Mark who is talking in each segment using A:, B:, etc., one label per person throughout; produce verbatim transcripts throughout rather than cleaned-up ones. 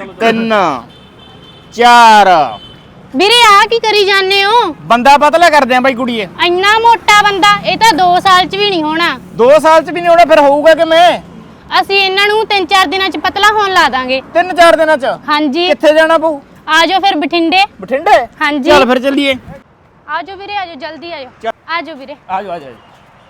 A: तीन चार
B: ਵੀਰੇ ਆ ਕੀ ਕਰੀ ਜਾਂਦੇ ਹੋ?
A: बंदा पतला कर दें भाई कुड़िए
B: ਇੰਨਾ ਮੋਟਾ ਬੰਦਾ ਇਹ ਤਾਂ ਦੋ ਸਾਲ ਚ ਵੀ ਨਹੀਂ ਹੋਣਾ।
A: दो साल च भी नहीं होना फिर होऊगा कि मैं
B: ਅਸੀਂ ਇਹਨਾਂ ਨੂੰ ਤਿੰਨ ਚਾਰ ਦਿਨਾਂ ਚ ਪਤਲਾ ਹੋਣ ਲਾ ਦਾਂਗੇ।
A: तीन चार दिन च
B: ਹਾਂਜੀ
A: कित्थे जाना पऊ
B: ਆ ਜਾਓ ਫਿਰ ਬਠਿੰਡੇ।
A: बठिंडे
B: ਹਾਂਜੀ
A: चल फिर चलिए
B: ਆ ਜਾਓ ਵੀਰੇ, ਆ ਜਾਓ ਜਲਦੀ ਆ ਜਾਓ, ਆ ਜਾਓ ਵੀਰੇ।
A: आ जाओ आ जाओ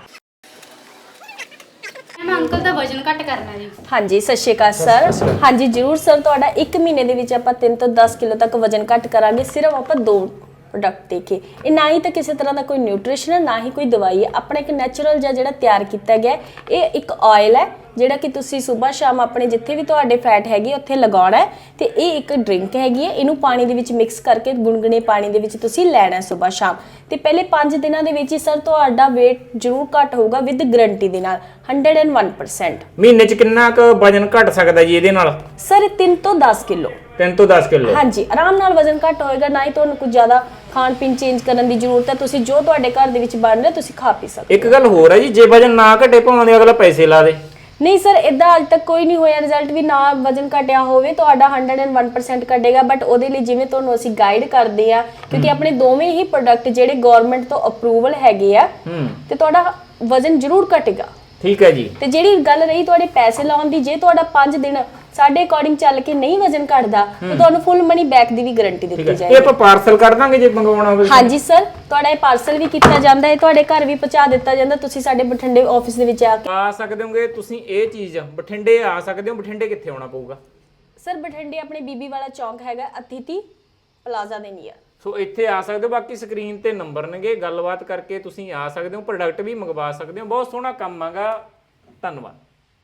B: ਮੈਂ ਅੰਕਲ ਦਾ ਵਜ਼ਨ ਘੱਟ ਕਰਨਾ ਜੀ।
C: ਹਾਂਜੀ ਸਤਿ ਸ਼੍ਰੀ ਅਕਾਲ ਸਰ। ਹਾਂਜੀ ਜ਼ਰੂਰ ਸਰ, ਤੁਹਾਡਾ ਇੱਕ ਮਹੀਨੇ ਦੇ ਵਿੱਚ ਆਪਾਂ ਤਿੰਨ ਤੋਂ ਦਸ ਕਿਲੋ ਤੱਕ ਵਜ਼ਨ ਘੱਟ ਕਰਾਂਗੇ, ਸਿਰਫ ਆਪਾਂ ਦੋ ਪ੍ਰੋਡਕਟ ਦੇ ਕੇ। ਇਹ ਨਾ ਹੀ ਤਾਂ ਕਿਸੇ ਤਰ੍ਹਾਂ ਦਾ ਕੋਈ ਨਿਊਟ੍ਰੀਸ਼ਨ ਹੈ, ਨਾ ਹੀ ਕੋਈ ਦਵਾਈ ਹੈ, ਆਪਣਾ ਇੱਕ ਨੈਚੁਰਲ ਜਿਹਾ ਜਿਹੜਾ ਤਿਆਰ ਕੀਤਾ ਗਿਆ। ਇਹ ਇੱਕ ਆਇਲ ਹੈ ਜਿਹੜਾ ਕਿ ਤੁਸੀਂ ਸਵੇਰ ਸ਼ਾਮ ਆਪਣੇ ਜਿੱਥੇ ਵੀ ਤੁਹਾਡੇ ਫੈਟ ਹੈਗੀ ਉੱਥੇ ਲਗਾਉਣਾ ਹੈ। ਤੇ ਇਹ ਇੱਕ ਡਰਿੰਕ ਹੈਗੀ ਹੈ, ਇਹਨੂੰ ਪਾਣੀ ਦੇ ਵਿੱਚ ਮਿਕਸ ਕਰਕੇ ਗੁਨਗੁਨੇ ਪਾਣੀ ਦੇ ਵਿੱਚ ਤੁਸੀਂ ਲੈਣਾ ਸਵੇਰ ਸ਼ਾਮ। ਤੇ ਪਹਿਲੇ ਪੰਜ ਦਿਨਾਂ ਦੇ ਵਿੱਚ ਹੀ ਸਰ ਤੁਹਾਡਾ weight ਜ਼ਰੂਰ ਘੱਟ ਹੋਊਗਾ ਵਿਦ ਗਰੰਟੀ ਦੇ ਨਾਲ ਇੱਕ ਸੌ ਇੱਕ ਪਰਸੈਂਟ।
A: ਮਹੀਨੇ ਚ ਕਿੰਨਾ ਕੁ ਵਜਨ ਘਟ ਸਕਦਾ ਜੀ ਇਹਦੇ ਨਾਲ?
C: ਸਰ ਤਿੰਨ ਤੋਂ ਦਸ ਕਿਲੋ।
A: तीन तो दस किलो
C: ਹਾਂਜੀ ਆਰਾਮ ਨਾਲ ਵਜ਼ਨ ਘੱਟ ਹੋਏਗਾ, ਨਾ ਹੀ ਤੁਹਾਨੂੰ ਕੁਝ ਜ਼ਿਆਦਾ ਖਾਣ ਪੀਣ ਚੇਂਜ ਕਰਨ ਦੀ ਜ਼ਰੂਰਤ ਹੈ। ਤੁਸੀਂ ਜੋ ਤੁਹਾਡੇ ਘਰ ਦੇ ਵਿੱਚ ਬਣ ਰਿਹਾ ਤੁਸੀਂ ਖਾ ਪੀ ਸਕਦੇ।
A: ਇੱਕ ਗੱਲ ਹੋਰ ਹੈ ਜੀ, ਜੇ ਵਜਨ ਨਾ ਘਟੇ ਭਾਵੇਂ ਅਗਲਾ ਪੈਸੇ ਲਾ ਦੇ।
C: ਨਹੀਂ ਸਰ ਇਦਾਂ ਅੱਜ ਤੱਕ ਕੋਈ ਨਹੀਂ ਹੋਇਆ ਰਿਜ਼ਲਟ ਵੀ ਨਾ ਵਜ਼ਨ ਘਟਿਆ ਹੋਵੇ, ਤੁਹਾਡਾ ਇੱਕ ਸੌ ਇੱਕ ਪਰਸੈਂਟ ਘਟੇਗਾ। ਬਟ ਉਹਦੇ ਲਈ ਜਿਵੇਂ ਤੁਹਾਨੂੰ ਅਸੀਂ ਗਾਈਡ ਕਰਦੇ ਆ, ਕਿਉਂਕਿ ਆਪਣੇ ਦੋਵੇਂ ਹੀ ਪ੍ਰੋਡਕਟ ਜਿਹੜੇ ਗਵਰਨਮੈਂਟ ਤੋਂ ਅਪਰੂਵਲ ਹੈਗੇ ਆ, ਤੇ ਤੁਹਾਡਾ ਵਜ਼ਨ ਜ਼ਰੂਰ ਘਟੇਗਾ।
A: ਠੀਕ ਹੈ ਜੀ।
C: ਤੇ ਜਿਹੜੀ ਗੱਲ ਰਹੀ ਤੁਹਾਡੇ ਪੈਸੇ ਲਾਉਣ ਦੀ, ਜੇ ਤੁਹਾਡਾ ਪੰਜ ਦਿਨ ਸਾਡੇ ਅਕੋਰਡਿੰਗ ਚੱਲ ਕੇ ਨਹੀਂ ਵਜ਼ਨ ਘਟਦਾ ਤਾਂ ਤੁਹਾਨੂੰ ਫੁੱਲ ਮਨੀ ਬੈਕ ਦੀ ਵੀ ਗਾਰੰਟੀ ਦਿੱਤੀ ਜਾਏਗੀ।
A: ਇਹ ਆਪਾਂ ਪਾਰਸਲ ਕਰ ਦਾਂਗੇ ਜੇ ਮੰਗਵਾਉਣਾ ਹੋਵੇ?
C: ਹਾਂਜੀ ਸਰ, ਤੁਹਾਡਾ ਇਹ ਪਾਰਸਲ ਵੀ ਕੀਤਾ ਜਾਂਦਾ ਹੈ, ਤੁਹਾਡੇ ਘਰ ਵੀ ਪਹੁੰਚਾ ਦਿੱਤਾ ਜਾਂਦਾ। ਤੁਸੀਂ ਸਾਡੇ ਬਠਿੰਡੇ ਆਫਿਸ ਦੇ ਵਿੱਚ ਆ ਕੇ
A: ਆ ਸਕਦੇ ਹੋਗੇ ਤੁਸੀਂ। ਇਹ ਚੀਜ਼ ਬਠਿੰਡੇ ਆ ਸਕਦੇ ਹੋ। ਬਠਿੰਡੇ ਕਿੱਥੇ ਆਉਣਾ ਪਊਗਾ?
C: ਸਰ ਬਠਿੰਡੇ ਆਪਣੇ ਬੀਬੀ ਵਾਲਾ ਚੌਂਕ ਹੈਗਾ, ਅਤੀਥੀ ਪਲਾਜ਼ਾ ਦੇ ਨੀਅਰ।
A: ਸੋ ਇੱਥੇ ਆ ਸਕਦੇ ਹੋ। ਬਾਕੀ ਸਕਰੀਨ ਤੇ ਨੰਬਰ ਨੇਗੇ, ਗੱਲਬਾਤ ਕਰਕੇ ਤੁਸੀਂ ਆ ਸਕਦੇ ਹੋ, ਪ੍ਰੋਡਕਟ ਵੀ ਮੰਗਵਾ ਸਕਦੇ ਹੋ। ਬਹੁਤ ਸੋਹਣਾ ਕੰਮ ਹੈਗਾ। ਧੰਨਵਾਦ।